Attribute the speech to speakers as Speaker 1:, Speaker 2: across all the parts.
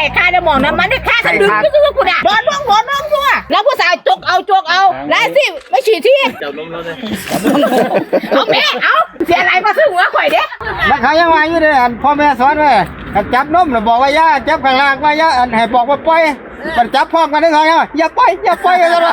Speaker 1: ค่าได้มองนะมันได้ค่ากันดึงก็คือกูด่าบอลน้องตัวแล้วผู้สาวจกเอาแล้วสิไม่ฉีดที่จับนมแล้วเลยเอาแม่เอาเสียอะไรมาซื้อหัวข่อยเด้
Speaker 2: นักขายยังมาอยู่เลยพ่อแม่สอนไว้จับนมแล้วบอกว่าย่าจับข้างล่างว่าย่าให้บอกว่าปล่อยมันจับพร้อมกันได้ไงอย่าปล่อยกันเลย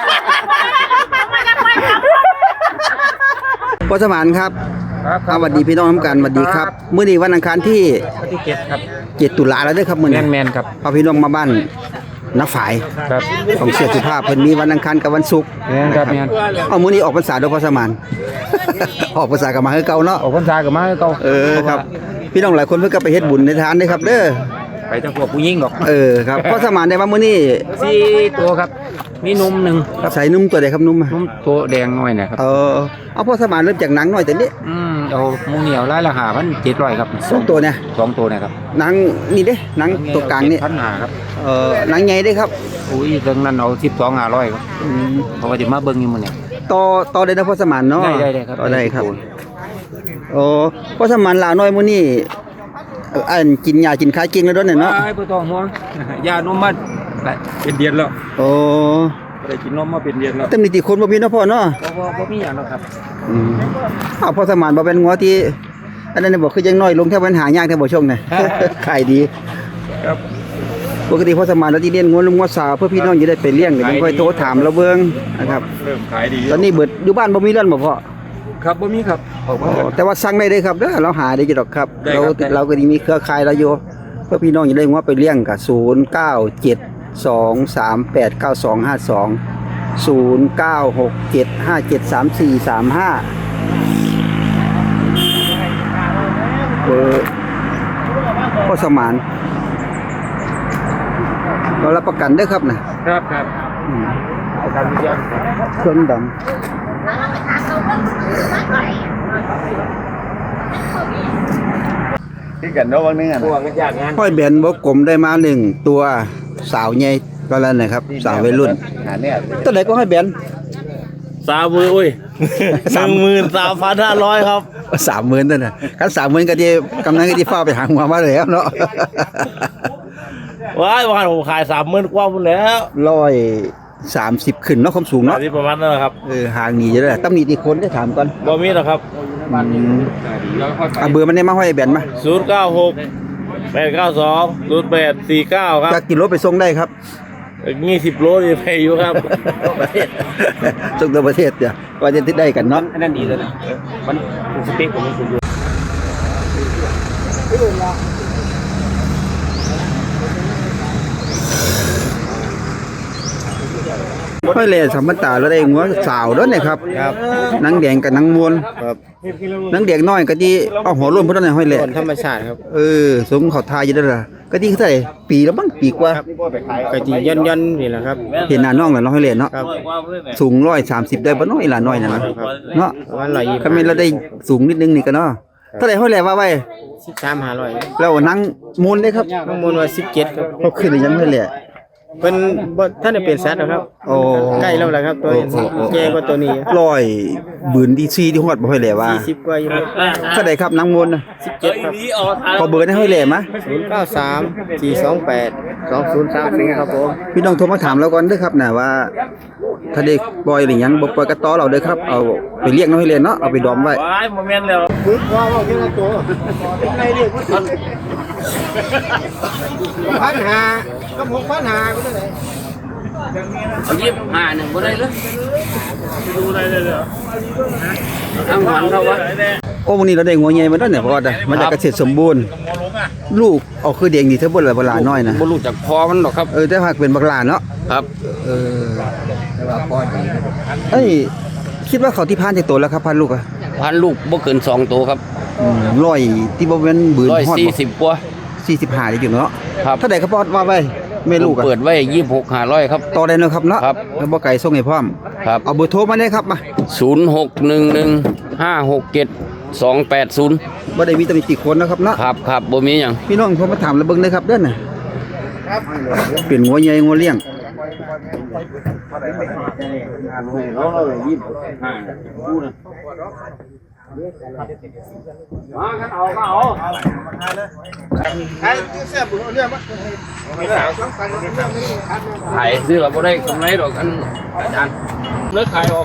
Speaker 2: พ่อสมานครับสวัสดีพี่น้องทั้งกันสวัสดีครับมื้อนี้วันอังคารที่
Speaker 3: 7ครับ
Speaker 2: 7ตุลาแล้วเด้อครับมื้อนี้
Speaker 3: แมนครับ
Speaker 2: พาพี่น้องมาบ้านน้าฝ่าย
Speaker 3: ครับ
Speaker 2: ของเสียสุภาพเพิ่นมีวันอังคารกับวันศุกร์
Speaker 3: ครับแม่น
Speaker 2: เอามื้อนี้ออกพรรษาโดยพ่อสมานออกพรรษากับมาคือเก่าเนาะ
Speaker 3: ออกพรรษากับมาคือเก่า
Speaker 2: ครับพี่น้องหลายคนเพิ่นก็ไปเฮ็ดบุญในทานเด้อครับเด้อ
Speaker 3: ไปทั้งพวกผู้หญิงดอก
Speaker 2: ครับพ่อสมานได้ว่ามื้อนี้
Speaker 3: 4ตัวครับมีนม1ครับ
Speaker 2: ใส่นุ่มตัวใดครับนุ่ม
Speaker 3: ตัวแดงน้อยนะครับ
Speaker 2: เอาพ่อสมานเริ่มจากหนังน้อยแต่นี้
Speaker 3: เอาหมูเหนียวรายละ5,700ครับ
Speaker 2: 2ตัวเนี่ย
Speaker 3: 2ตัวนะครับ
Speaker 2: หนังนี่เด้หนังตัวกลางนี่
Speaker 3: 1,500ครับ
Speaker 2: หนังใหญ่เด้ครับ
Speaker 3: อุ้ยเรื่องนั้นเอา12,500ครับเพราะว่าสิมาเบิ่งอยู่มื้อนี้
Speaker 2: ต่อได้นะพ่อสมานเนาะ
Speaker 3: ได้ครับ
Speaker 2: ต่อได้ครับพ่อสมานลาวน้อยมื้อนี้อันกินยากินข้าวเก่งแล้วด้วยเนาะ
Speaker 3: บ่ต้องห่วงยานมมาเป็นเดือนแล้วได้กินนมมาเป็นเดือนแล้ว
Speaker 2: แต่มีติคนบ่มีเนาะพ่อเนาะ
Speaker 3: บ่มีหยังหรอกครับ
Speaker 2: พ่อสมานบ่เป็นงัวที่อันนั้นบอกคือยังน้อยลงแค่ปัญหายากแค่บ่ช่วงน่ะขายดี
Speaker 3: ครับ
Speaker 2: ปกติพ่อสมานเราที่เลี้ยงงัวลุงงัวสาวเพื่อพี่น้องจะได้ไปเลี้ยงเดี๋ยวผมค่อยโทรถามเราเบิ่งนะครับ
Speaker 3: เริ่มขายดี
Speaker 2: ตอนนี้เบิดอยู่บ้านบ่มีเรือนบ่พ่อ
Speaker 3: ครับบ่มีครับ
Speaker 2: แต่ว่าสั่งได้เลยครับเด้อเราหาได้อยู่ดอกครับเราก็มีเครือข่ายเราอยู่เพื่อพี่น้องจะได้งัวไปเลี้ยงกับ097238925209673435พ่อสมานเรารับประกันได้ครับ
Speaker 3: นะครับประกันทุกอย่าง
Speaker 2: เครื่องดำ
Speaker 3: ที่กันเนาะวันนึงอ่ะ
Speaker 2: ห้อยแบนบ่กลมได้มา1ตัวสาวใหญ่ก็แล้วนะครับสาววัยรุ่นตัวไหนก็ห้อยแบน
Speaker 4: 30,000อุ้ย 13,500 ครับ
Speaker 2: 30,000นั่นน่ะคัน30,000ก็สิกำนันก็สิฟ้าไปหาหัวมาแล้วเนาะ
Speaker 4: ว้ายวันผมขาย 30,000 กว่าพุ่นแล้ว
Speaker 2: 130ขึ้นเนาะความสูงเนาะ
Speaker 4: ที่ประมาณนั้นครับ
Speaker 2: ห่างนี่จะได้ตำหนิที่คนได้ถามก่อน
Speaker 4: บ่มีหรอกครับ
Speaker 2: เบอร์มันได้มาห้อยแบนมา
Speaker 4: 096 892 0849ครับ
Speaker 2: จักกิโลไปส่งได้ครับ
Speaker 4: 20 โลนี่ไปอยู่ครับ
Speaker 2: ส่งตัวประเทศเดี๋ยวว่าจะได้กันเนาะ
Speaker 3: อันนั้นดีเลยนะมันสเปคผมมันสูงอยู่
Speaker 2: ห้อยแหล่สัมพันตาแล้วได้งัวสาวด้วยนะครับนางแดงกับนางมวลนางแดงน้อยก็ที่เอาหัวล้นพุ่นนั่นห้อยแหล่
Speaker 3: ธรรมชาติครับ
Speaker 2: สมเขาทายอยู่ได้ล่ะก็ที่เท่าไหร่ปีแล้วมั้งปีกว่า
Speaker 3: ก็ที่ย่นนี่แหละครับ
Speaker 2: เห็นหน้าน้องแล้วน้องห้อยแหล่เนาะสูง130ได้บ่น้อยล่ะน้อยนั่นเนาะก็แม่นเราได้สูงนิดนึงนี่ก็เนาะเท่าไหร่ห้อยแหล่ว่าไว้
Speaker 3: 13,500
Speaker 2: แล้วนางมวลได้ครับ
Speaker 3: นางมวลว่า17ครับ
Speaker 2: เขาขึ้นยังห้อยแหล่
Speaker 3: เพิ่นบ่ท่านได้เป็นสัตว์ครับใกล้แล้วล่ะครับตัวแก่กว่าตัวนี้
Speaker 2: บืนที่4ที่ฮอดบ่ห้อยแหล่ว่า
Speaker 3: 40กว่าอยู่
Speaker 2: เท่าใดครับนางมนต์
Speaker 3: 17ครับ
Speaker 2: ขอเบอร์ให้ห้อยแหล่มา
Speaker 3: 0934282030ครับผม
Speaker 2: พี่น้องโทรมาถามเราก่อนเด้อครับน่ะว่าถ้าได้ปล่อยหรือหยังบ่ปล่อยก็ต่อเราเด้อครับเอาไปเลี้ยงน้อยเลยเนาะเอาไปดอมไว้
Speaker 4: บ่แม่นแล้ว
Speaker 3: ว่าเรื่องตัวไอ้เรื่อง1,500กับ6,500ก็ได้
Speaker 4: เอา25นึงบ่ได้เลยดูได้เลยเหรอเอาหวานเขาวะ
Speaker 2: โอ้วันนี้เราได้งัวใหญ่มาด้วยเนี่ยพ่อมันจะเกษตรสมบูรณ์ลูกเอาคือเด็กนี่เท่าบ่ล่ะบักหลาน้อยนะ
Speaker 3: บ่รู้จักพอมันหรอกครับ
Speaker 2: แต่หากเป็นบักหลาเนาะ
Speaker 3: ครับ
Speaker 2: แต่ว่าพอดีคิดว่าเขาที่พานจักตัวแล้วครับพันลูก
Speaker 3: พันลูกบ่เกิน2ตัวครับ
Speaker 2: 100ที่บ่แม่นบืนฮอด
Speaker 3: 140กว่า
Speaker 2: 45ได้อยู่เนาะเท่าใดครับพ่อว่าไว้แม่ลูก
Speaker 3: เปิดไว้26,500ครับ
Speaker 2: ต่อได้เนาะครับเนาะแล้วบ่ไกลส่งให้พร้อม
Speaker 3: ครับ
Speaker 2: เอาเบอร์โทรมาได้ครับมา
Speaker 3: 0611567280
Speaker 2: บ่ได้มีตำหนิติคนนะครับเนาะ
Speaker 3: ครับบ่มีหยัง
Speaker 2: พี่น้องโทรมาถามแล้วเบิ่งเลยครับเด้อน่ะเป็นงัวใหญ่งัวเลี้ยง
Speaker 4: มากันเอาก็เอา
Speaker 2: ไอ้เสียบุญเรื่องมั้ย
Speaker 4: ขายซื้อเราบ่ได้กำไรดอกกันอาจารย์เลิกขายออก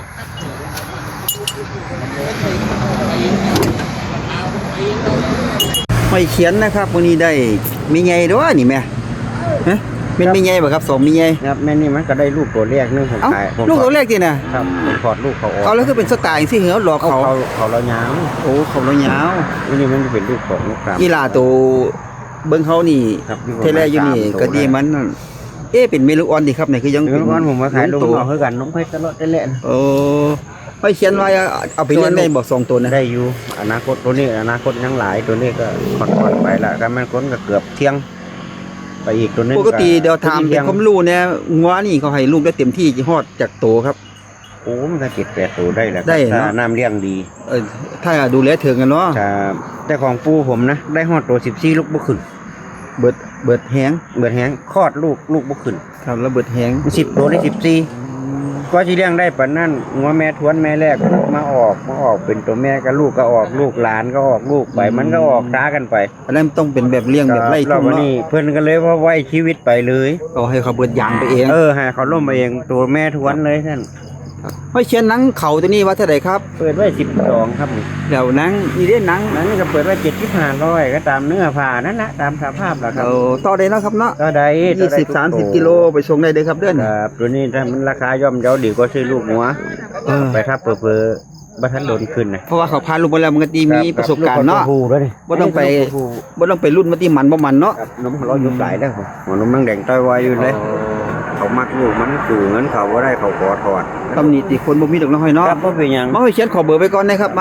Speaker 2: ไม่เขียนนะครับวันนี้ได้มีไงด้วยนี่แม่ฮะเป็นมีไงบ่ครับ2มีไง
Speaker 5: ครับแม่นี่มันก็ได้ลูกตัวแรกนึงผม
Speaker 2: เอ้า
Speaker 5: ขายผม
Speaker 2: ลูกตัวแรกตินะครับ
Speaker 5: ผมถอดลูกเขาออก
Speaker 2: เอาแล้วคือเป็นสไตล์สิเหรอหลอก
Speaker 5: เขา
Speaker 2: เขา
Speaker 5: เขาเรายาว
Speaker 2: โอ้เขาเรายาว
Speaker 5: อันนี้มันจะเป็นลูกของลูกกราม
Speaker 2: กีฬาตัวเบิ่งเขานี่
Speaker 5: ครับอยู่
Speaker 2: เทเลอยู่นี่
Speaker 5: ประมาณ
Speaker 2: ก็ดีมันนั่นเอ๊ะเป็นเมลูออนดิครับเนี่ยคือยัง
Speaker 5: เดี๋ยวก่อนผมมาขายลูก
Speaker 2: ตัว
Speaker 5: เอาเท่ากันน้องเพชรตลอดได้แหละ
Speaker 2: โอ้ไม่เขียนไว้เอาไปเลี้ยงได้บ่2ตัวนะ
Speaker 5: ได้อยู่อนาคตตัวนี้อนาคตยังหลายตัวนี้ก็ค่อนๆไปละก็มันคนก็เกือบเที่ยง ไปอีกตัวนึง
Speaker 2: ปกติเดี๋ยวถามเป็นความรู้เนี่ยงัวนี่เขาให้ลูกได้เต็มที่ฮอดจากโตครับ
Speaker 5: โอ้มันก็7-8ตัวได้แหละ
Speaker 2: ได้
Speaker 5: ถ้า
Speaker 2: เนาะ
Speaker 5: น้ำเลี้ยงดี
Speaker 2: ถ้าดูแลถึงกันเนาะ
Speaker 5: ครับแต่ของปูผมนะได้ฮอดตัว14ลูกบ่ขึ้น
Speaker 2: เบิดแฮง
Speaker 5: เบิดแฮงคลอดลูกบ่ขึ้น
Speaker 2: ครับแล้วเบิดแฮง
Speaker 5: 10ตัวได้14ก็สิเลี้ยงได้ปานนั้นงัวแม่ทวนแม่แรกมาออกเป็นตัวแม่กับลูกก็ออกลูกหลานก็ออกลูกไปมันก็ออกช้ากันไป
Speaker 2: อันนั้นต้องเป็นแบบเลี้ยงแบบไล่
Speaker 5: รอ
Speaker 2: ทุ่
Speaker 5: บ
Speaker 2: ง
Speaker 5: นี้
Speaker 2: เนาะ
Speaker 5: เพิ่นก็เลยว่าไว้ชีวิตไปเลย
Speaker 2: เอาให้เขาเบิดยางไปเอง
Speaker 5: ให้เขาล่มไปเองตัวแม่ทวนเลยท่าน
Speaker 2: ห้อยเชียนหนังเขาตัวนี้ว่าเท่าไหร่ครับ
Speaker 5: เปิดไว้12ครับนี่
Speaker 2: แล้วหนังนี่ได้หนัง
Speaker 5: นั้นก็เปิดไว้7,500ก็ตามเนื้อผ้านั่นนะตามสภาพล่ะครับ
Speaker 2: เอาต่อได้เนาะครับเนาะ
Speaker 5: ก็ได้
Speaker 2: 20-30 กิโลไปส่งได้เลยครับเด้อน
Speaker 5: ครับตัวนี้ถ้ามันราคาย่อมเยาดีกว่าซื้อลูกหัวไปถ้าเผลอๆบ่ทันโดนขึ้นนะ
Speaker 2: เพราะว่าเขาพาลูกมาแล้วมันก็ดีมีประสบการณ์เนาะ
Speaker 5: ลูกตัวผู้ด้วย
Speaker 2: บ่ต้องไปรุ่นมาที่มันบ่มันเนาะ
Speaker 5: ครับนมเรายุบหลายแล้วหัวนมมันแดงต้อยไวอยู่เลยเขามักลูกมันสู่เงินเขาบ่ได้เขาขอถอด
Speaker 2: ตำหนิติคนบ่มีดอกน้อยเนาะ
Speaker 5: ครับบ่เป็นหยัง
Speaker 2: มาห้อยเชียนขอเบอร์ไว้ก่อนนะครับมา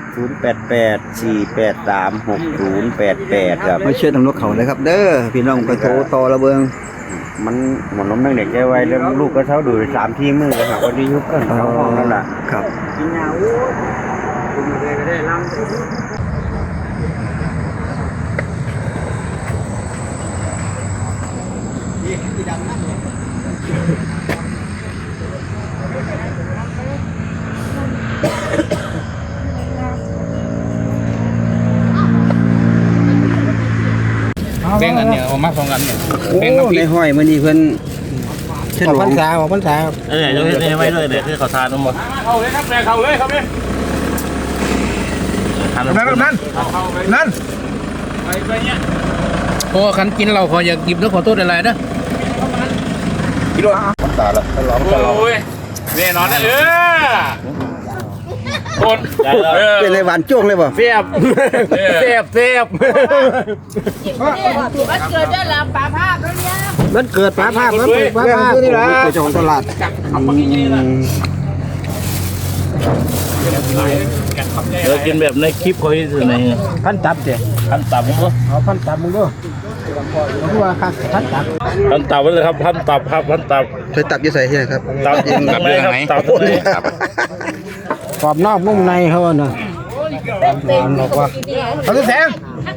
Speaker 5: 0884836088ครับ
Speaker 2: ห้อยเชียนทางนกเขาเลยครับ เด้อพี่น้องก็โทรต่อระเบิง
Speaker 5: มันหัวนมมันแดงใจไวแล้วลูกก็เท่าดู3-4มื้อก็หาว่าดียุบเอิ้นเขาห้องนั่นล่ะ
Speaker 2: ครับ
Speaker 5: กินยาโอ้ยคุณเลยก็ได้ลำ
Speaker 4: แบ่งกันเนี่ยเอามา2กันเนี่ย
Speaker 2: โอ้
Speaker 4: แบ่งน้ำพริ
Speaker 2: ใน
Speaker 4: ก
Speaker 2: ห้อยมื้อนี้เพิ่นฉลอง
Speaker 3: พรรษาครับ
Speaker 6: เดี๋ยวนี้ไว้ด้วยเดี๋ยวคือเขาทานทั้งหมด
Speaker 3: เอาเลยครับแม่เข้าเลยครับนี่
Speaker 6: ทาน
Speaker 3: นั่น
Speaker 4: โอ้คันกินเราขออยากหยิบแล้วขอโทษอะไรนะ
Speaker 3: โอ้ยแน่นอนนะคน
Speaker 2: เป็นไรหวานจ้วงเลยบ่
Speaker 3: เสียบเสียบเสียบ
Speaker 1: มันเกิดได้แล้วป่าภาพแล้วเนี่ย
Speaker 2: มันเกิดฟ้าภาพมันเกิดฟ้าภาพนี่ล่ะเจ้าของตลาด
Speaker 6: เดี๋ยวกินแบบในคลิปเขาที่สุดใน
Speaker 2: พันตับเด้
Speaker 6: พันตับมึงก็
Speaker 2: เอาพันตับมึงดูเพราะว่าคักพันตับ
Speaker 6: พันตับไว้เลยครับพันตับครับพันตับ
Speaker 2: ใส่ตับอยู่ใส่ที่ไหนครับ
Speaker 6: ตับยิงตับยังไงตับเลย
Speaker 2: กรอบนอกนุ่มในเขาน่ะ
Speaker 1: เต็มๆบอกว่า
Speaker 2: เขาจะแสง